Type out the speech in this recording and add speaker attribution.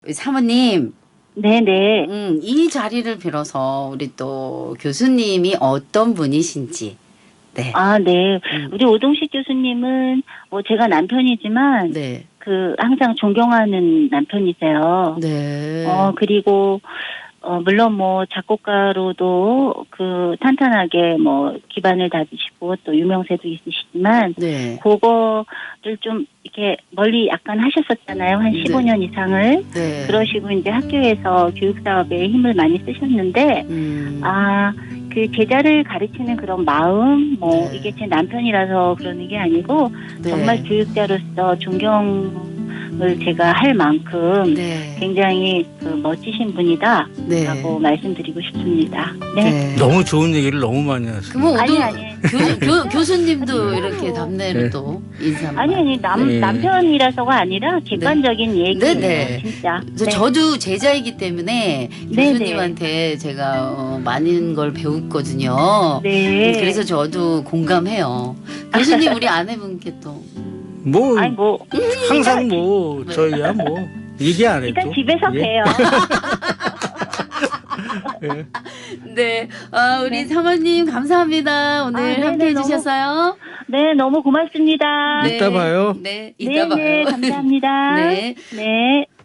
Speaker 1: 사모님,
Speaker 2: 네네.
Speaker 1: 이 자리를 빌어서 우리 또 교수님이 어떤 분이신지, 네,
Speaker 2: 아, 네.
Speaker 1: 음,
Speaker 2: 우리 오동식 교수님은 뭐 제가 남편이지만
Speaker 1: 네,
Speaker 2: 항상 존경하는 남편이세요.
Speaker 1: 네,
Speaker 2: 그리고 물론 뭐 작곡가로도 탄탄하게 뭐 기반을 다지시고 또 유명세도 있으시지만
Speaker 1: 네,
Speaker 2: 그거를 좀 이렇게 멀리 약간 하셨었잖아요. 한
Speaker 1: 네,
Speaker 2: 15년 이상을.
Speaker 1: 네,
Speaker 2: 그러시고 이제 학교에서 교육 사업에 힘을 많이 쓰셨는데 제자를 가르치는 그런 마음, 이게
Speaker 1: 네,
Speaker 2: 제 남편이라서 그러는 게 아니고, 정말
Speaker 1: 네,
Speaker 2: 교육자로서 존경을 제가 할 만큼
Speaker 1: 네,
Speaker 2: 굉장히 멋지신 분이다,
Speaker 1: 네,
Speaker 2: 라고 말씀드리고 싶습니다. 네.
Speaker 1: 네.
Speaker 3: 너무 좋은 얘기를 너무 많이 하시네요.
Speaker 1: 그러면
Speaker 2: 아니.
Speaker 1: 교수님도
Speaker 2: 진짜로.
Speaker 1: 이렇게 답례로
Speaker 3: 네.
Speaker 1: 또 인사
Speaker 2: 아니,
Speaker 3: 네.
Speaker 2: 남편이라서가 아니라 객관적인
Speaker 1: 네,
Speaker 2: 얘기예요,
Speaker 1: 네.
Speaker 2: 진짜.
Speaker 1: 그래서
Speaker 2: 네.
Speaker 1: 저도 제자이기 때문에
Speaker 2: 네네.
Speaker 1: 교수님한테 제가 많은 걸 배웠거든요.
Speaker 2: 네.
Speaker 1: 그래서 저도 공감해요. 교수님 우리 아내분께 또
Speaker 3: 뭐
Speaker 2: 아니,
Speaker 3: 항상 뭐
Speaker 1: 네.
Speaker 3: 저희야 뭐 얘기 안 해도
Speaker 2: 일단 집에서
Speaker 3: 예.
Speaker 2: 봬요.
Speaker 3: 예.
Speaker 1: 네, 우리
Speaker 2: 네.
Speaker 1: 사모님 감사합니다. 오늘
Speaker 2: 네네,
Speaker 1: 함께 해주셔서요.
Speaker 2: 네, 너무 고맙습니다.
Speaker 3: 이따 봐요.
Speaker 1: 네, 이따
Speaker 2: 네,
Speaker 1: 봐요.
Speaker 2: 감사합니다.
Speaker 1: 네.
Speaker 2: 네.